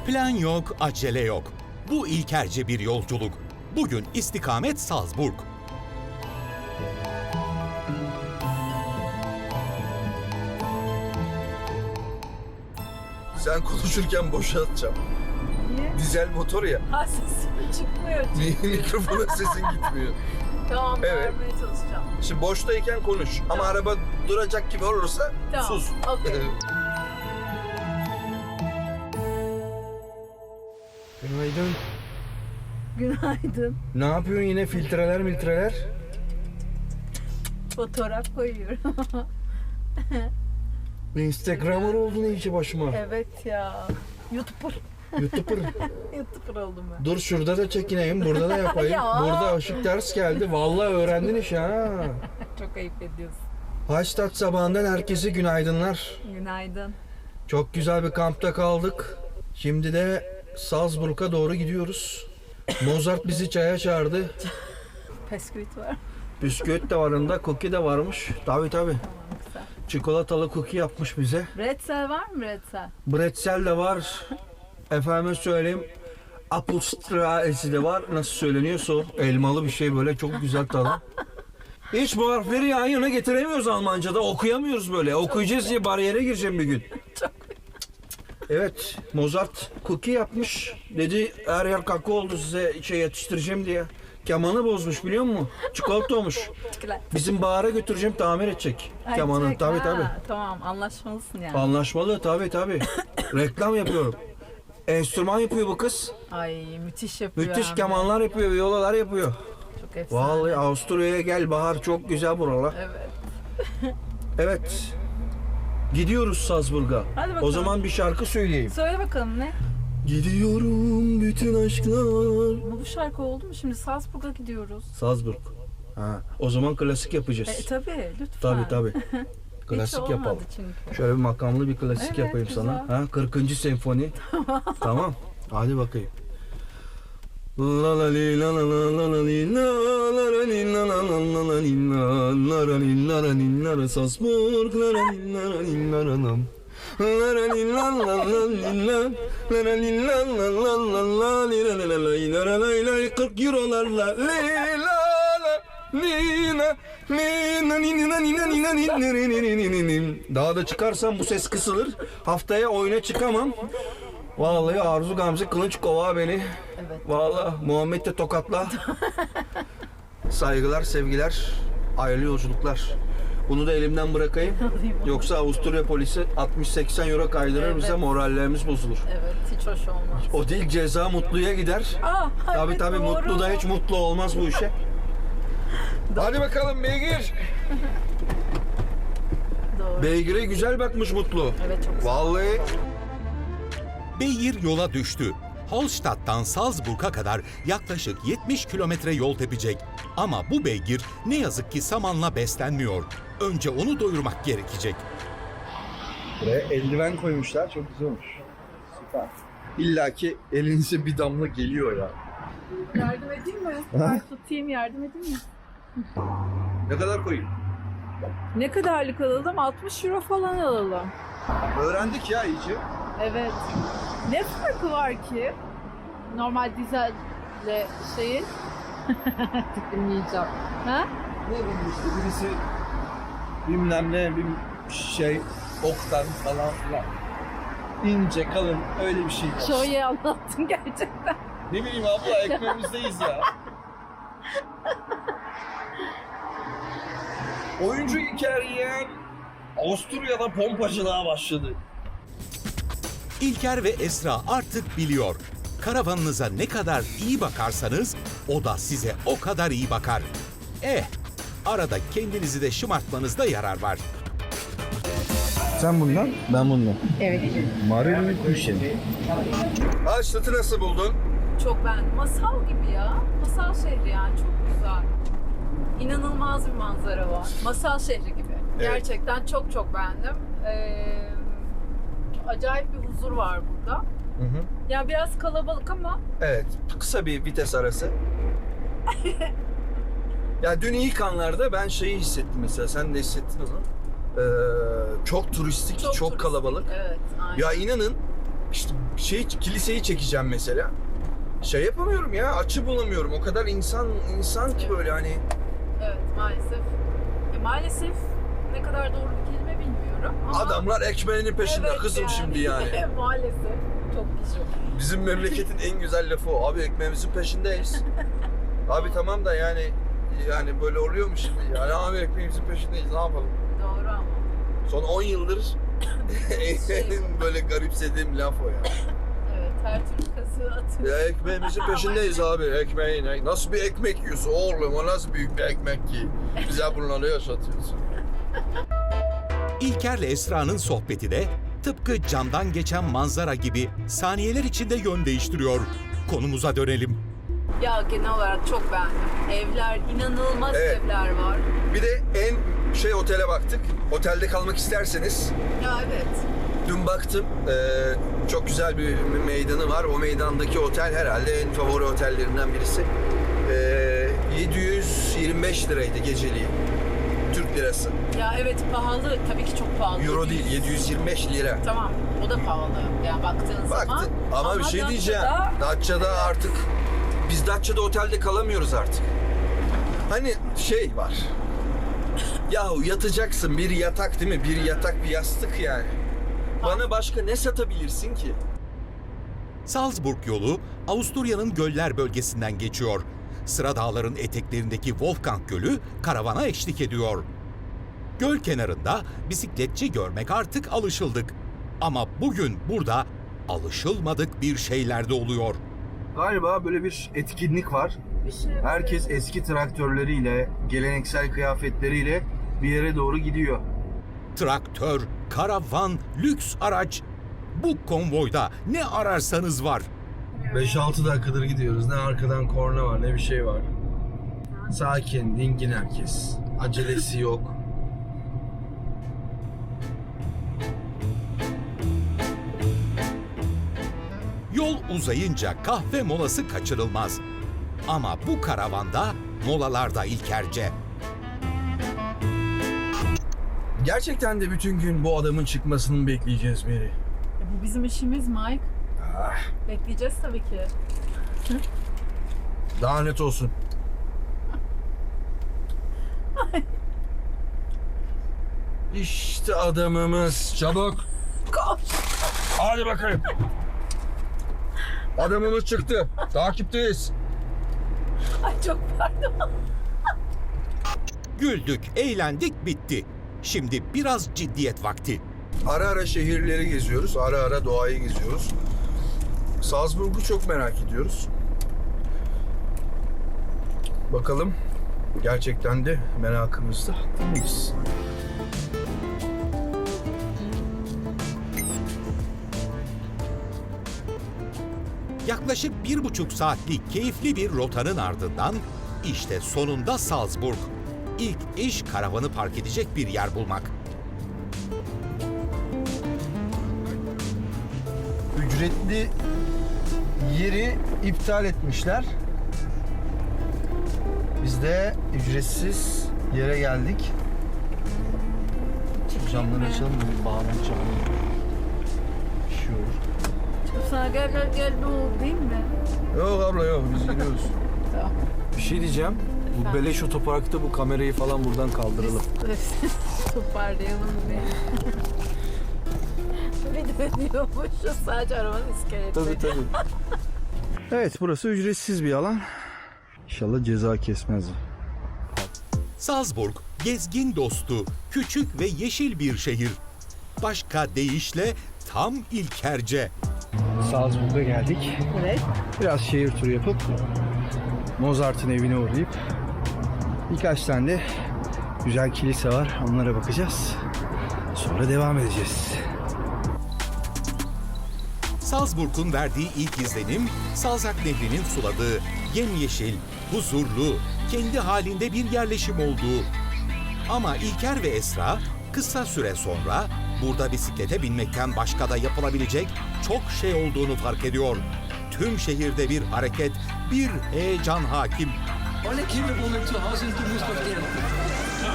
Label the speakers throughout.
Speaker 1: Plan yok, acele yok. Bu ilkerce bir yolculuk. Bugün istikamet Salzburg.
Speaker 2: Sen konuşurken boşa atacağım.
Speaker 3: Niye?
Speaker 2: Dizel motor ya.
Speaker 3: Ha, sesim çıkmıyor çünkü.
Speaker 2: Mikrofona sesin gitmiyor.
Speaker 3: Tamam,
Speaker 2: Evet.
Speaker 3: vermeye çalışacağım.
Speaker 2: Şimdi boştayken konuş. Ama
Speaker 3: Tamam.
Speaker 2: araba duracak gibi olursa
Speaker 3: Tamam,
Speaker 2: sus.
Speaker 3: okey.
Speaker 2: Günaydın.
Speaker 3: Günaydın.
Speaker 2: Ne yapıyorsun yine filtreler?
Speaker 3: Fotoğraf koyuyorum.
Speaker 2: Instagramer oldun iyice başıma.
Speaker 3: Evet ya. YouTuber.
Speaker 2: YouTuber.
Speaker 3: YouTuber oldum ben.
Speaker 2: Dur şurada da çekineyim, burada da yapayım.
Speaker 3: Ya.
Speaker 2: Burada ışık ters geldi. Vallahi öğrendin iş ha.
Speaker 3: Çok ayıp ediyorsun.
Speaker 2: Haçtat sabahından herkese günaydınlar.
Speaker 3: Günaydın.
Speaker 2: Çok güzel bir kampta kaldık. Şimdi de Salzburg'a doğru gidiyoruz. Mozart bizi çaya çağırdı.
Speaker 3: Pesküvit var.
Speaker 2: Bisküvit de var yanında, cookie de varmış. Tabii.
Speaker 3: Tamam, güzel.
Speaker 2: Çikolatalı cookie yapmış bize.
Speaker 3: Bretzel var mı bretzel?
Speaker 2: Bretzel de var. Efendime söyleyeyim. Apfelstrudel de var. Nasıl söyleniyorsa o. Elmalı bir şey böyle çok güzel tadı. Hiç bu harfleri yan yana getiremiyoruz Almanca'da. Okuyamıyoruz böyle. Okuyacağız diye bariyere gireceğim bir gün. Evet, Mozart cookie yapmış. Dedi her yer kakao oldu size yetiştireceğim diye. Kemanı bozmuş biliyor musun? Çikolata olmuş. Bizim Bahar'a götüreceğim tamir edecek kemanı.
Speaker 3: Ay,
Speaker 2: Tabii.
Speaker 3: Tamam, anlaşmalısın yani.
Speaker 2: Anlaşmalı tabii. Reklam yapıyorum. Enstrüman yapıyor bu kız.
Speaker 3: Ay, müthiş yapıyor.
Speaker 2: Müthiş
Speaker 3: hem de.
Speaker 2: kemanlar yapıyor, viyolalar yapıyor.
Speaker 3: Çok efsane.
Speaker 2: Vallahi Avusturya'ya gel Bahar, çok güzel buralar.
Speaker 3: Evet.
Speaker 2: Evet. Gidiyoruz Salzburg'a.
Speaker 3: Hadi bakalım.
Speaker 2: O zaman bir şarkı söyleyeyim.
Speaker 3: Söyle bakalım ne?
Speaker 2: Gidiyorum bütün aşklar.
Speaker 3: Bu şarkı oldu mu? Şimdi Salzburg'a gidiyoruz.
Speaker 2: Salzburg. Ha, o zaman klasik yapacağız.
Speaker 3: Tabii, lütfen.
Speaker 2: Tabii.
Speaker 3: Hiç
Speaker 2: Klasik
Speaker 3: olmadı
Speaker 2: yapalım.
Speaker 3: çünkü.
Speaker 2: Şöyle bir makamlı bir klasik
Speaker 3: Evet,
Speaker 2: yapayım
Speaker 3: güzel.
Speaker 2: sana. Ha, 40. senfoni. Tamam. Hadi bakayım. La la li la la la la la li la la la li la la la la la li la la la li la la li la la Salzburg la la li la la li la la lam. La la li la la la li la la la li la la la la la li la la la li la la la la 40 eurolarla li la la Nina, nina, nina, nina, nina, nina. Daha da çıkarsam bu ses kısılır. Haftaya oyuna çıkamam. Vallahi Arzu Gamze Kılıç kova beni.
Speaker 3: Evet.
Speaker 2: Vallahi Muhammed de tokatla. Saygılar, sevgiler, hayırlı yolculuklar. Bunu da elimden bırakayım. Yoksa Avusturya polisi 60-80 euro kaydırır bize,
Speaker 3: Evet.
Speaker 2: morallerimiz bozulur.
Speaker 3: Evet, hiç hoş olmaz.
Speaker 2: O değil, ceza mutluya gider.
Speaker 3: Evet,
Speaker 2: Tabii
Speaker 3: doğru.
Speaker 2: mutlu da hiç mutlu olmaz bu işe. Hadi bakalım beygir.
Speaker 3: Doğru.
Speaker 2: Beygire güzel bakmış Mutlu.
Speaker 3: Evet, çok güzel.
Speaker 2: Vallahi
Speaker 1: Beygir yola düştü. Holstadt'tan Salzburg'a kadar yaklaşık 70 kilometre yol tepecek. Ama bu beygir ne yazık ki samanla beslenmiyor. Önce onu doyurmak gerekecek.
Speaker 2: buraya eldiven koymuşlar. Çok güzel olmuş. Süper. İlla ki elinize bir damla geliyor ya.
Speaker 3: Yardım edeyim mi? Ben tutayım, yardım edeyim mi?
Speaker 2: Ne kadar koyayım?
Speaker 3: Ne kadarlık alalım? 60 euro falan alalım.
Speaker 2: Öğrendik ya iyice.
Speaker 3: Evet. Ne farkı var ki? Normal dizelle şeyin. Tükürmeyeceğim. Ha?
Speaker 2: Ne bileyim işte birisi bilmem ne bir şey oktan falan filan. İnce kalın öyle bir şey.
Speaker 3: Çok iyi anlattın gerçekten.
Speaker 2: Ne bileyim abla ekmeğimizdeyiz ya. Oyuncu İlker Yeğen Avusturya'da pompacılığa başladı.
Speaker 1: İlker ve Esra artık biliyor. Karavanınıza ne kadar iyi bakarsanız o da size o kadar iyi bakar. Arada kendinizi de şımartmanızda yarar var.
Speaker 2: Sen bundan, ben bundan.
Speaker 3: Evet.
Speaker 2: Marilyn Kuşen. Haçtat'ı nasıl buldun?
Speaker 3: Çok beğendim. Masal gibi ya. Masal şehri yani. Çok güzel. İnanılmaz bir manzara var. Masal şehri gibi.
Speaker 2: Evet.
Speaker 3: Gerçekten çok beğendim. Acayip bir huzur var burada.
Speaker 2: Hı hı.
Speaker 3: Ya biraz kalabalık ama
Speaker 2: Evet, kısa bir vites arası. Ya dün ilk anlarda ben şeyi hissettim mesela, sen de hissettin o zaman. Çok turistik, çok
Speaker 3: turistik.
Speaker 2: kalabalık.
Speaker 3: Evet, aynen.
Speaker 2: Ya inanın işte kiliseyi çekeceğim mesela. Şey yapamıyorum ya, açı bulamıyorum. O kadar insan ki böyle hani.
Speaker 3: Evet, maalesef. Maalesef ne kadar doğru bir kelime bilmiyorum ama...
Speaker 2: Adamlar ekmeğinin peşinde
Speaker 3: Evet
Speaker 2: kızım
Speaker 3: yani.
Speaker 2: şimdi yani.
Speaker 3: Maalesef. Çok güzel.
Speaker 2: Bizim memleketin en güzel lafı o. Abi ekmeğimizin peşindeyiz. Abi tamam da yani böyle oluyor mu şimdi? Yani abi ekmeğimizin peşindeyiz, ne yapalım?
Speaker 3: Doğru ama.
Speaker 2: Son 10 yıldır en böyle garipsediğim laf o ya.
Speaker 3: Evet, her türlü kazığı atıyor.
Speaker 2: Ya ekmeğimizin peşindeyiz abi, ekmeğin. Nasıl bir ekmek yiyorsun oğlum, o nasıl büyük bir ekmek ki? Bize bunları yaşatıyorsun.
Speaker 1: İlker'le Esra'nın sohbeti de tıpkı camdan geçen manzara gibi saniyeler içinde yön değiştiriyor. Konumuza dönelim.
Speaker 3: Ya genel olarak çok beğendim. Evler, inanılmaz
Speaker 2: Evet.
Speaker 3: evler var.
Speaker 2: Bir de en otele baktık. Otelde kalmak isterseniz.
Speaker 3: Ya evet.
Speaker 2: Dün baktım, çok güzel bir meydanı var. O meydandaki otel herhalde en favori otellerinden birisi. 725 liraydı geceliği. Türk lirası.
Speaker 3: Ya evet, pahalı. Tabii ki çok pahalı.
Speaker 2: Euro değil, 725 lira.
Speaker 3: Tamam, o da pahalı. Yani baktığın zaman.
Speaker 2: Baktı. Ama bir şey diyeceğim.
Speaker 3: Datça'da
Speaker 2: Datça'da artık, biz Datça'da otelde kalamıyoruz artık. Hani şey var. Yahu yatacaksın, bir yatak değil mi? Bir yatak, bir yastık yani. Bana başka ne satabilirsin ki?
Speaker 1: Salzburg yolu Avusturya'nın göller bölgesinden geçiyor. Sıra dağların eteklerindeki Wolfgang Gölü karavana eşlik ediyor. Göl kenarında bisikletçi görmek artık alışıldık. Ama bugün burada alışılmadık bir şeyler de oluyor.
Speaker 2: Galiba böyle bir etkinlik var.
Speaker 3: Bir şey.
Speaker 2: Herkes eski traktörleriyle, geleneksel kıyafetleriyle bir yere doğru gidiyor.
Speaker 1: Traktör, karavan, lüks araç. Bu konvoyda ne ararsanız var.
Speaker 2: 5-6 dakikadır gidiyoruz. Ne arkadan korna var, ne bir şey var. Sakin, dingin herkes. Acelesi yok.
Speaker 1: Yol uzayınca kahve molası kaçırılmaz. Ama bu karavanda molalarda İlkerce.
Speaker 2: Gerçekten de bütün gün bu adamın çıkmasını bekleyeceğiz Mary.
Speaker 3: Bu bizim işimiz Mike. Bekleyeceğiz tabii ki.
Speaker 2: Daha net olsun. İşte adamımız. Çabuk.
Speaker 3: Koş.
Speaker 2: Hadi bakayım. Adamımız çıktı. Takipteyiz.
Speaker 3: Ay çok pardon.
Speaker 1: Güldük, eğlendik, bitti. Şimdi biraz ciddiyet vakti.
Speaker 2: Ara ara şehirleri geziyoruz. Ara ara doğayı geziyoruz. Salzburg'u çok merak ediyoruz. Bakalım. Gerçekten de merakımızda haklıyız.
Speaker 1: Yaklaşık 1,5 saatlik keyifli bir rotanın ardından işte sonunda Salzburg. İlk iş karavanı park edecek bir yer bulmak.
Speaker 2: Ücretli yeri iptal etmişler. Biz de ücretsiz yere geldik. Camları açalım mı? Bağlanacağım. Bir şey olur.
Speaker 3: Sana gel ne oldu değil mi?
Speaker 2: Yok abla yok, biz gidiyoruz.
Speaker 3: Tamam.
Speaker 2: Bir şey diyeceğim. Bu beleş otoparkta bu kamerayı falan buradan kaldıralım.
Speaker 3: Toparlayalım bir. Bir dönüyormuşuz sadece arabanın iskeleti.
Speaker 2: Tabii. Evet, burası ücretsiz bir alan. İnşallah ceza kesmez.
Speaker 1: Salzburg, gezgin dostu, küçük ve yeşil bir şehir. Başka deyişle tam İlkerce.
Speaker 2: Salzburg'a geldik.
Speaker 3: Evet.
Speaker 2: Biraz şehir turu yapıp Mozart'ın evine uğrayıp birkaç tane de güzel kilise var. Onlara bakacağız. Sonra devam edeceğiz.
Speaker 1: Salzburg'un verdiği ilk izlenim, Salzach Nehri'nin suladığı, yemyeşil, huzurlu, kendi halinde bir yerleşim olduğu. Ama İlker ve Esra kısa süre sonra burada bisiklete binmekten başka da yapılabilecek çok şey olduğunu fark ediyor. Tüm şehirde bir hareket, bir heyecan hakim.
Speaker 4: Alle Kinder wohnen zu Hause und du musst auf Erde.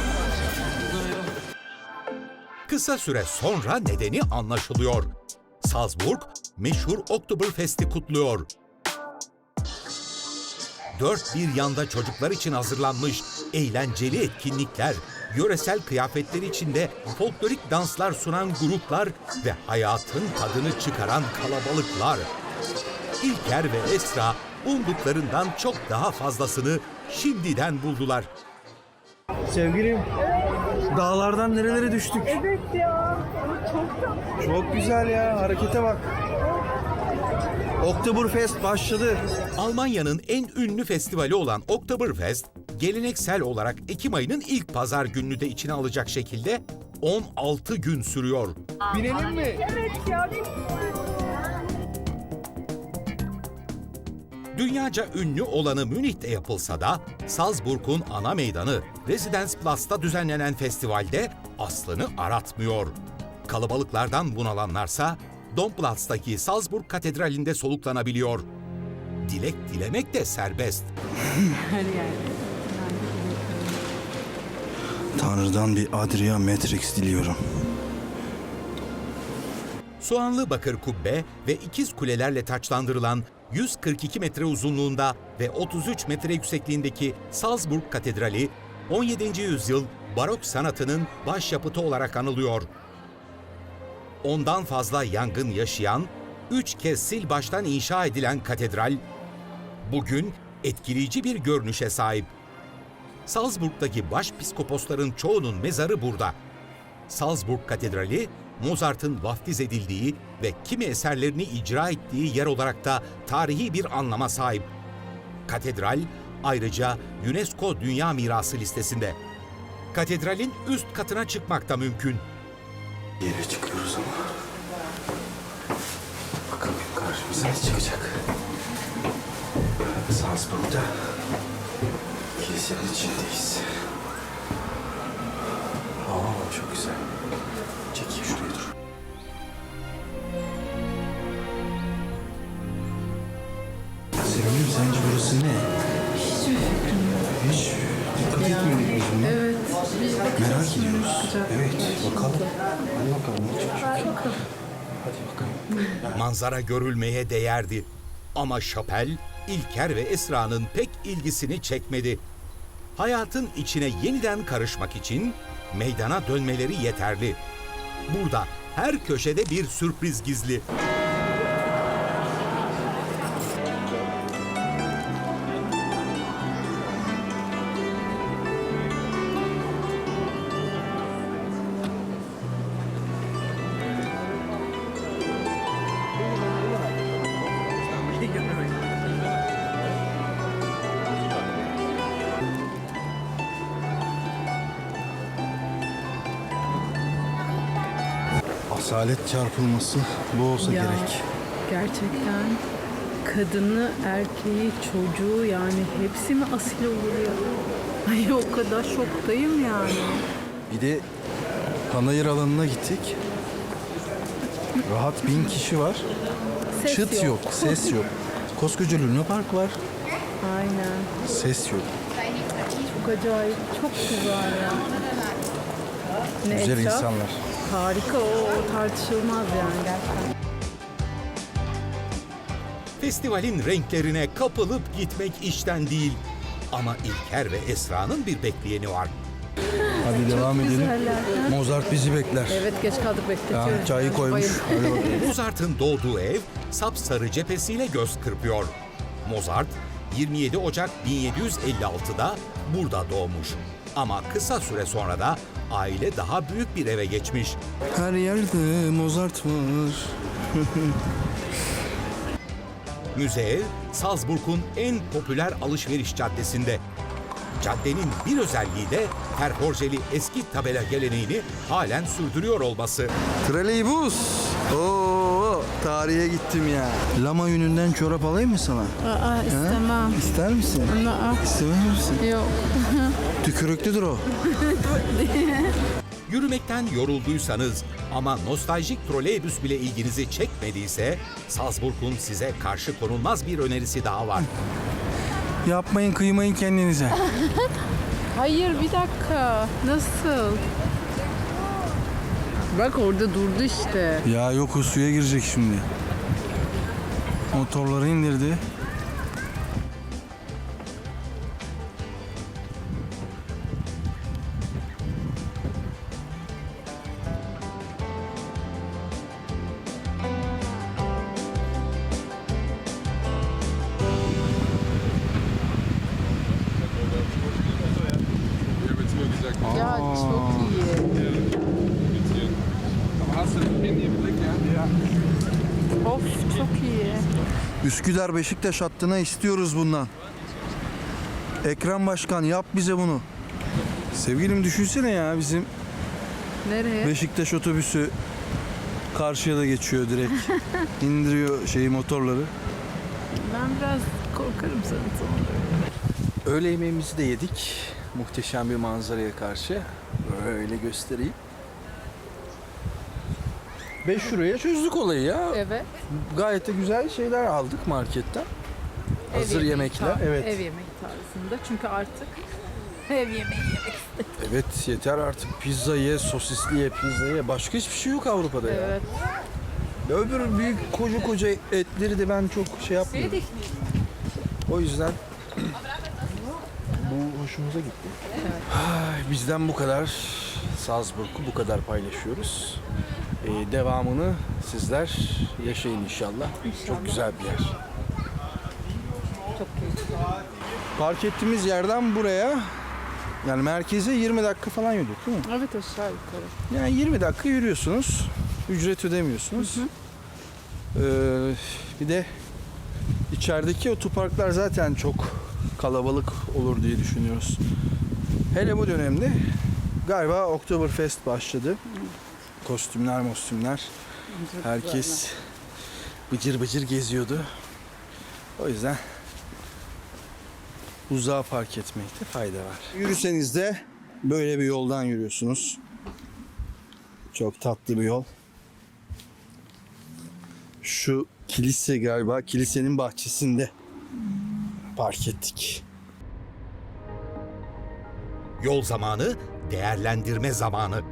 Speaker 1: Kısa süre sonra nedeni anlaşılıyor. Salzburg, meşhur Oktoberfest'i kutluyor. Dört bir yanda çocuklar için hazırlanmış eğlenceli etkinlikler, yöresel kıyafetler içinde folklorik danslar sunan gruplar ve hayatın tadını çıkaran kalabalıklar. İlker ve Esra umduklarından çok daha fazlasını şimdiden buldular.
Speaker 2: Sevgilim, dağlardan nerelere düştük?
Speaker 3: Evet ya. Çok tatlı.
Speaker 2: Çok güzel ya, harekete bak. Oktoberfest başladı.
Speaker 1: Almanya'nın en ünlü festivali olan Oktoberfest, geleneksel olarak Ekim ayının ilk pazar gününü de içine alacak şekilde 16 gün sürüyor.
Speaker 2: Binelim mi?
Speaker 3: Evet ya.
Speaker 1: Dünyaca ünlü olanı Münih'te yapılsa da Salzburg'un ana meydanı Residenzplatz'ta düzenlenen festivalde aslını aratmıyor. Kalabalıklardan bunalanlarsa Domplatz'taki Salzburg Katedrali'nde soluklanabiliyor. Dilek dilemek de serbest.
Speaker 5: Tanrı'dan bir Adria Matrix diliyorum.
Speaker 1: Soğanlı bakır kubbe ve ikiz kulelerle taçlandırılan 142 metre uzunluğunda ve 33 metre yüksekliğindeki Salzburg Katedrali, 17. yüzyıl barok sanatının başyapıtı olarak anılıyor. Ondan fazla yangın yaşayan, 3 kez sil baştan inşa edilen katedral, bugün etkileyici bir görünüşe sahip. Salzburg'daki başpiskoposların çoğunun mezarı burada. Salzburg Katedrali, Mozart'ın vaftiz edildiği ve kimi eserlerini icra ettiği yer olarak da tarihi bir anlama sahip. Katedral ayrıca UNESCO Dünya Mirası listesinde. Katedralin üst katına çıkmak da mümkün.
Speaker 5: Yere çıkıyoruz ama. Bakalım karşımıza ne çıkacak. Salzburg'da kilisenin içindeyiz. Çok güzel. Çekeyim şuraya dur. Sevgilim sence burası ne? Hiçbir fikrim yok. Hiç dikkat etmedik biz buna.
Speaker 3: Evet.
Speaker 5: Merak ediyoruz. Evet bakalım. Hadi bakalım ne çıkacak. Hadi bakalım.
Speaker 1: Manzara görülmeye değerdi. Ama şapel, İlker ve Esra'nın pek ilgisini çekmedi. Hayatın içine yeniden karışmak için meydana dönmeleri yeterli. Burada her köşede bir sürpriz gizli.
Speaker 5: Asalet çarpılması bu olsa
Speaker 3: Ya.
Speaker 5: gerek.
Speaker 3: Gerçekten kadını, erkeği, çocuğu yani hepsi mi asil olur ya? Ay o kadar şoktayım yani.
Speaker 5: Bir de panayır alanına gittik. Rahat 1000 kişi var.
Speaker 3: Ses
Speaker 5: Çıt yok, ses yok. Koskoca Luna Park var.
Speaker 3: Aynen.
Speaker 5: Ses yok.
Speaker 3: Çok acayip. Çok güzel ya. Ne
Speaker 5: Güzel
Speaker 3: etraf?
Speaker 5: insanlar.
Speaker 3: Harika o tartışılmaz yani gerçekten.
Speaker 1: Festivalin renklerine kapılıp gitmek işten değil. Ama İlker ve Esra'nın bir bekleyeni var.
Speaker 5: Hadi devam edelim.
Speaker 3: Güzeller.
Speaker 5: Mozart bizi bekler.
Speaker 3: Evet geç kaldık bekletiyoruz.
Speaker 5: Ya, çayı koymuş. Hadi bakalım.
Speaker 1: Mozart'ın doğduğu ev sapsarı cephesiyle göz kırpıyor. Mozart 27 Ocak 1756'da burada doğmuş. Ama kısa süre sonra da aile daha büyük bir eve geçmiş.
Speaker 5: Her yerde Mozart var.
Speaker 1: Müze, Salzburg'un en popüler alışveriş caddesinde. Caddenin bir özelliği de perforjeli eski tabela geleneğini halen sürdürüyor olması.
Speaker 5: Trolleybus. Oo, tarihe gittim ya. Lama yününden çorap alayım mı sana?
Speaker 3: Aa istemem.
Speaker 5: İster misin?
Speaker 3: Aa,
Speaker 5: İstemez misin?
Speaker 3: yok.
Speaker 5: Tükürüklüdür o.
Speaker 1: Yürümekten yorulduysanız ama nostaljik troleybüs bile ilginizi çekmediyse Salzburg'un size karşı konulmaz bir önerisi daha var.
Speaker 5: Yapmayın, kıymayın kendinize.
Speaker 3: Hayır bir dakika. Nasıl? Bak orada durdu işte.
Speaker 2: Ya yok, o suya girecek şimdi. Motorları indirdi.
Speaker 3: Ya çok iyi. Of çok iyi.
Speaker 2: Üsküdar Beşiktaş hattına istiyoruz bundan. Ekrem Başkan yap bize bunu. Sevgilim düşünsene ya, bizim
Speaker 3: Nereye?
Speaker 2: Beşiktaş otobüsü karşıya da geçiyor direkt. İndiriyor motorları.
Speaker 3: Ben biraz korkarım sana sonra.
Speaker 2: Öğle yemeğimizi de yedik. Muhteşem bir manzaraya karşı. Böyle göstereyim. 5 euroya çözdük olayı ya.
Speaker 3: Evet.
Speaker 2: Gayet de güzel şeyler aldık marketten. Hazır
Speaker 3: yemeği
Speaker 2: yemekler. Evet.
Speaker 3: Ev yemeği tarzında. Çünkü artık ev yemeği yemek.
Speaker 2: Evet, yeter artık. Pizza ye, sosisli ye, pizza ye. Başka hiçbir şey yok Avrupa'da ya.
Speaker 3: Evet.
Speaker 2: Ya öbür büyük koca etleri de ben çok şey yapmıyorum. O yüzden bu hoşumuza gitti. Ay, bizden bu kadar. Salzburg'u bu kadar paylaşıyoruz. Devamını sizler yaşayın inşallah. Çok güzel bir yer.
Speaker 3: Çok keyifli.
Speaker 2: Park ettiğimiz yerden buraya, yani merkeze 20 dakika falan yürüdük değil mi?
Speaker 3: Evet aşağı yukarı.
Speaker 2: Yani 20 dakika yürüyorsunuz. Ücret ödemiyorsunuz. Bir de içerideki otoparklar zaten çok kalabalık olur diye düşünüyoruz. Hele bu dönemde galiba Oktoberfest başladı. Kostümler. Herkes bıcır bıcır geziyordu. O yüzden uzağa park etmekte fayda var. Yürüseniz de böyle bir yoldan yürüyorsunuz. Çok tatlı bir yol. Şu kilise galiba, kilisenin bahçesinde park ettik.
Speaker 1: Yol zamanı, değerlendirme zamanı.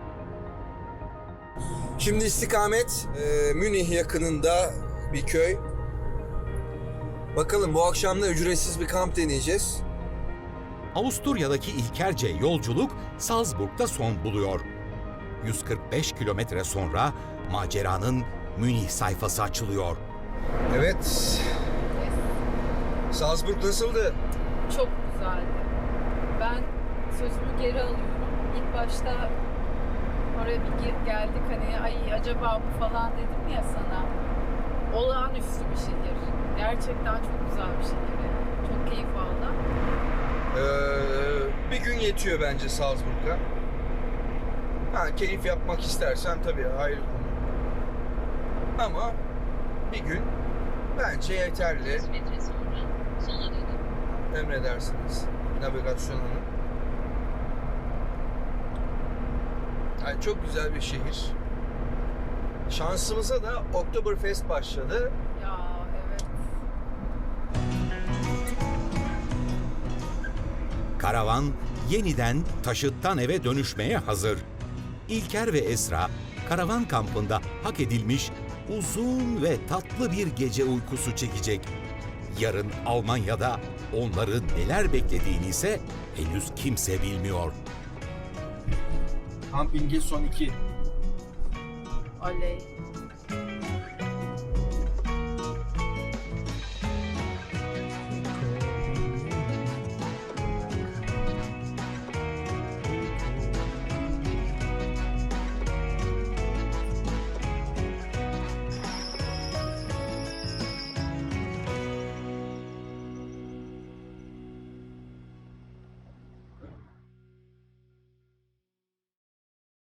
Speaker 5: Şimdi istikamet Münih yakınında bir köy. Bakalım bu akşam da ücretsiz bir kamp deneyeceğiz.
Speaker 1: Avusturya'daki ilkerce yolculuk Salzburg'da son buluyor. 145 kilometre sonra maceranın Münih sayfası açılıyor.
Speaker 5: Evet. Salzburg nasıldı?
Speaker 3: Çok güzeldi. Ben sözümü geri alıyorum. İlk başta oraya bir geldik hani ay acaba bu falan dedim ya sana. Olağanüstü bir şehir. Gerçekten çok güzel bir şehir. Çok keyif aldım.
Speaker 5: Bir gün yetiyor bence Salzburg'a. Ha, keyif yapmak istersen tabii ayrı konu. Ama bir gün bence yeterli.
Speaker 6: 100 metre sonra sola dönün.
Speaker 5: Emredersiniz navigasyon hanım. Yani çok güzel bir şehir. Şansımıza da Oktoberfest başladı.
Speaker 3: Ya evet.
Speaker 1: Karavan yeniden taşıttan eve dönüşmeye hazır. İlker ve Esra karavan kampında hak edilmiş uzun ve tatlı bir gece uykusu çekecek. Yarın Almanya'da onları neler beklediğini ise henüz kimse bilmiyor.
Speaker 5: Kampinge son 2.
Speaker 3: Oley.